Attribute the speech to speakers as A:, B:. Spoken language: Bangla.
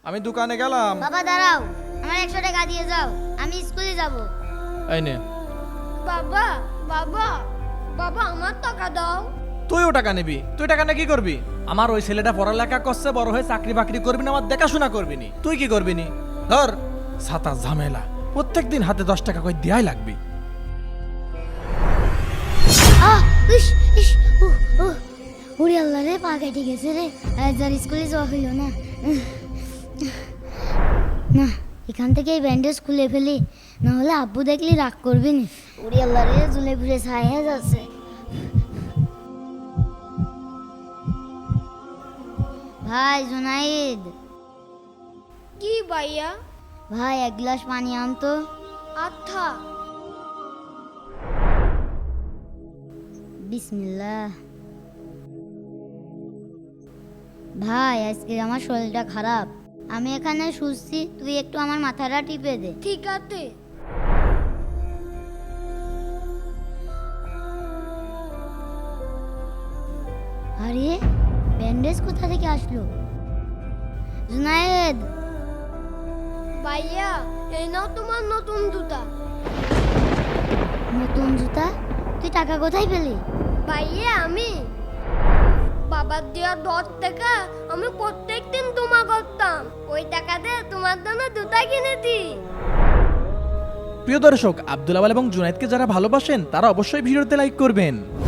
A: আমি দোকানে গেলাম।
B: বাবা দাঁড়াও, আমার 100 টাকা দিয়ে যাও, আমি স্কুলে যাব।
A: এই নে।
C: বাবা বাবা বাবা আমার টাকা দাও।
A: তুইও টাকা নিবি? তুই টাকা নিয়ে কি করবি? আমার ওই ছেলেটা পড়ালেখা করছে, বড় হয়ে চাকরি বাকরি করবি না, আমার দেখাশোনা করবি নি। তুই কি করবি নি? ধর ছাতা ঝামেলা, প্রত্যেকদিন হাতে 10 টাকা করে দেয়াই লাগবি।
B: আহ ইস ইস ওরে আল্লাহ রে, পা কেটে গেছে রে। আজ আর স্কুলে যাওয়া হইল না। না, এখান থেকে এই ব্যান্ডেজ খুলে ফেলি, না হলে আব্বু দেখলি রাগ করবি না। ওরে আল্লাহ রে, ঝুলে ঘুরে ছাই হয়ে যাচ্ছে। ভাই জুনাইদ,
C: কি ভাইয়া?
B: ভাই 1 গ্লাস পানি আনতো।
C: আচ্ছা।
B: বিসমিল্লাহ। ভাই আজকে আমার শরীরটা খারাপ, আমি এখানে শুচ্ছি, তুই একটু আমার মাথাটা টিপে দে।
C: ঠিক আছে।
B: আরে ব্যান্ডেজ কোথা থেকে আসলো? জুনায়েদ,
C: ভাইয়া এই নাও তোমার নতুন জুতা।
B: নতুন জুতা? তুই টাকা কোথায় পেলি?
C: ভাইয়া আমি বাবার দেওয়া 10 টাকা আমি প্রত্যেকদিন জমা করতাম, ওই টাকা দিয়ে তোমার জন্য জুতা কিনেছি।
A: প্রিয় দর্শক, আব্দুল আওয়াল এবং জুনায়েদকে যারা ভালোবাসেন তারা অবশ্যই ভিডিওতে লাইক করবেন।